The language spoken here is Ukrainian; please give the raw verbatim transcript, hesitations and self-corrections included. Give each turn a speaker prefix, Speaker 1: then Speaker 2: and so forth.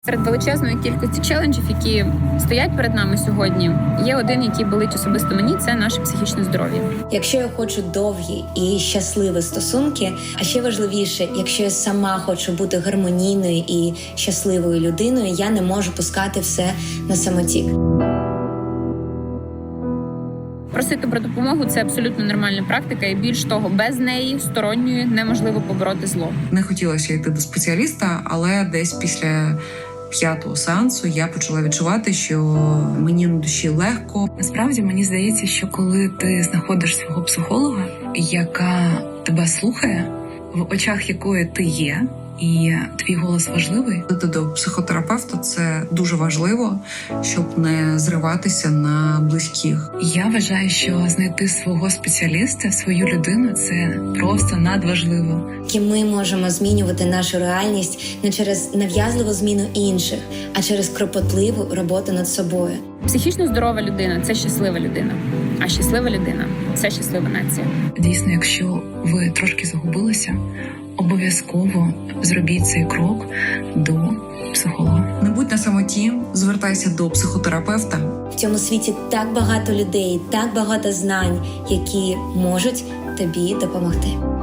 Speaker 1: Серед величезної кількості челенджів, які стоять перед нами сьогодні, є один, який болить особисто мені – це наше психічне здоров'я.
Speaker 2: Якщо я хочу довгі і щасливі стосунки, а ще важливіше, якщо я сама хочу бути гармонійною і щасливою людиною, я не можу пускати все на самотік.
Speaker 1: Просити про допомогу – це абсолютно нормальна практика, і більш того, без неї, сторонньої, неможливо побороти зло.
Speaker 3: Не хотілося йти до спеціаліста, але десь після п'ятого сеансу я почала відчувати, що мені на душі легко.
Speaker 4: Насправді, мені здається, що коли ти знаходиш свого психолога, яка тебе слухає, в очах якої ти є, і твій голос важливий.
Speaker 3: Йти до психотерапевта – це дуже важливо, щоб не зриватися на близьких.
Speaker 4: Я вважаю, що знайти свого спеціаліста, свою людину – це просто надважливо.
Speaker 2: І ми можемо змінювати нашу реальність не через нав'язливу зміну інших, а через кропотливу роботу над собою.
Speaker 1: Психічно здорова людина – це щаслива людина, а щаслива людина – це щаслива нація.
Speaker 4: Дійсно, якщо ви трошки загубилися, обов'язково зробіть цей крок до психолога.
Speaker 3: Не будь на самоті, звертайся до психотерапевта.
Speaker 2: В цьому світі так багато людей, так багато знань, які можуть тобі допомогти.